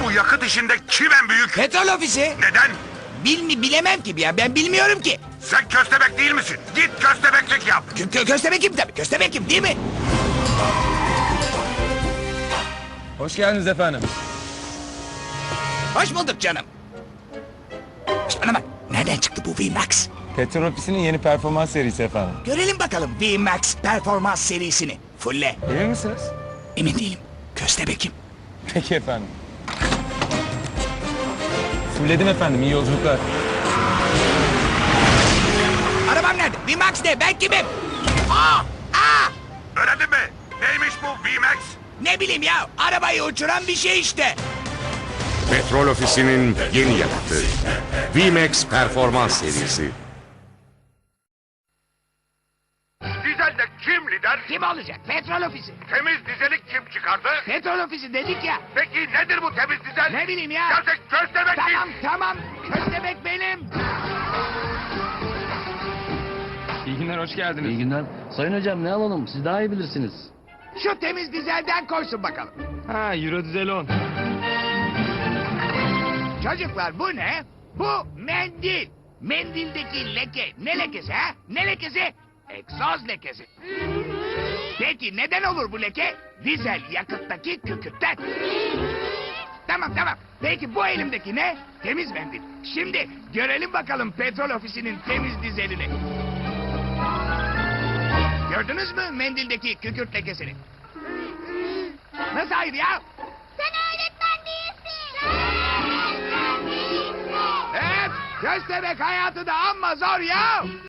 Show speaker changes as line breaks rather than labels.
Bu yakıt işinde kim en büyük?
Petrol ofisi.
Neden?
Bilemem ki ya, ben bilmiyorum ki.
Sen köstebek değil misin? Git köstebeklik yap.
Köstebekim tabii, köstebekim değil mi?
Hoş geldiniz efendim.
Hoş bulduk canım. Şişt, bana bak, nereden çıktı bu VMAX?
Petrol Ofisi'nin yeni performans serisi efendim.
Görelim bakalım VMAX performans serisini. Fulle.
Emin misiniz?
Emin değilim. Köstebekim.
Peki efendim. Fulledim efendim, iyi yolculuklar.
Arabam nerede? VMAX ne? Ben kimim? Aa!
Öğrendin mi? Neymiş bu VMAX?
Ne bileyim ya, arabayı uçuran bir şey işte.
Petrol Ofisi'nin yeni yakıtı. VMAX Performans serisi.
Dizelde kim lider?
Kim olacak? Petrol ofisi.
Temiz dizelik kim çıkardı?
Petrol ofisi dedik ya.
Peki nedir bu temiz dizel?
Ne bileyim ya.
Ya sen köstebek
Tamam. Köstebek benim.
İyi günler, hoş geldiniz.
İyi günler. Sayın hocam ne alalım? Siz daha iyi bilirsiniz.
Şu temiz dizelden koysun bakalım.
Ha, Euro Dizel 10.
Çocuklar bu ne? Bu mendil. Mendildeki leke ne lekesi ha? Ne lekesi? Egzoz lekesi. Peki neden olur bu leke? Dizel yakıttaki kükürtten. Tamam. Peki bu elimdeki ne? Temiz mendil. Şimdi görelim bakalım petrol ofisinin temiz dizelini. Gördünüz mü mendildeki kükürt lekesini? Nasıl hayır ya?
Sen öğretmen değilsin. Sen öğretmen değilsin.
Evet, köstebek hayatı da amma zor ya.